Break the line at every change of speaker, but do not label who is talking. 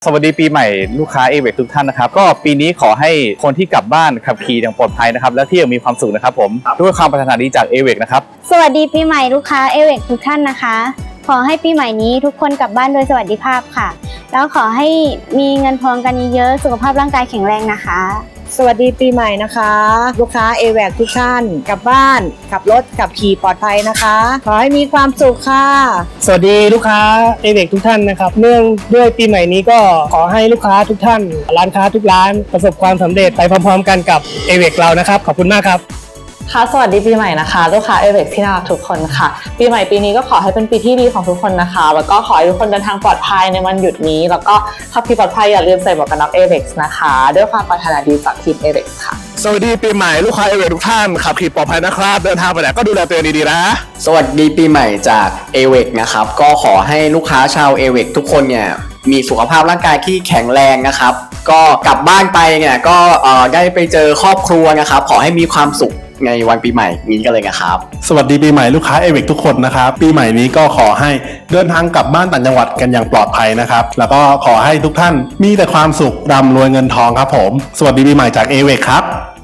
สวัสดีปีใหม่ลูกค้าเอเวกทุกท่านนะครับก็ปีนี้ขอให้คนที่กลับบ้านขับขี่อย่างปลอดภัยนะครับและที่ยังมีความสุขนะครับผมด้วยความปรารถนาดีจากเอเวกนะครับ
สวัสดีปีใหม่ลูกค้าเอเวกทุกท่านนะคะขอให้ปีใหม่นี้ทุกคนกลับบ้านโดยสวัสดิภาพค่ะแล้วขอให้มีเงินทองกันเยอะๆสุขภาพร่างกายแข็งแรงนะคะ
สวัสดีปีใหม่นะคะลูกค้าเอแวกทุกท่านกลับบ้านขับรถขับขี่ปลอดภัยนะคะขอให้มีความสุขค่ะ
สวัสดีลูกค้าเอเวกทุกท่านนะครับเนื่องด้วยปีใหม่นี้ก็ขอให้ลูกค้าทุกท่านร้านค้าทุกร้านประสบความสำเร็จไปพร้อมๆกันกับเอเวกเรานะครับขอบคุณมากครับ
ค่ะสวัสดีปีใหม่นะคะลูกค้าเอเวกที่น่ารักทุกคนค่ะปีใหม่ปีนี้ก็ขอให้เป็นปีที่ดีของทุกคนนะคะแล้วก็ขอให้ทุกคนเดินทางปลอดภัยในวันหยุดนี้แล้วก็ขับขี่ปลอดภัยอย่าลืมใส่หมวกกันน็อกเอเวกนะคะด้วยความปรารถนาดีจากทีมเอเวกค่ะ
สวัสดีปีใหม่ลูกค้าเอเวกทุกท่านขับขี่ปลอดภัยนะครับเดินทางไปไหนก็ดูแลตัวเองดีๆนะ
สวัสดีปีใหม่จากเอเวกนะครับก็ขอให้ลูกค้าชาวเอเวกทุกคนเนี่ยมีสุขภาพร่างกายที่แข็งแรงนะครับก็กลับบ้านไปเนี่ยก็ได้ไปเจอครอบครัวนะครับขอให้มีความสุขในวันปีใหม่นี้กันเลยนะครับ
สวัสดีปีใหม่ลูกค้าเอเวกทุกคนนะครับปีใหม่นี้ก็ขอให้เดินทางกลับบ้านต่างจังหวัดกันอย่างปลอดภัยนะครับแล้วก็ขอให้ทุกท่านมีแต่ความสุขร่ำรวยเงินทองครับผมสวัสดีปีใหม่จากเอเวกครับ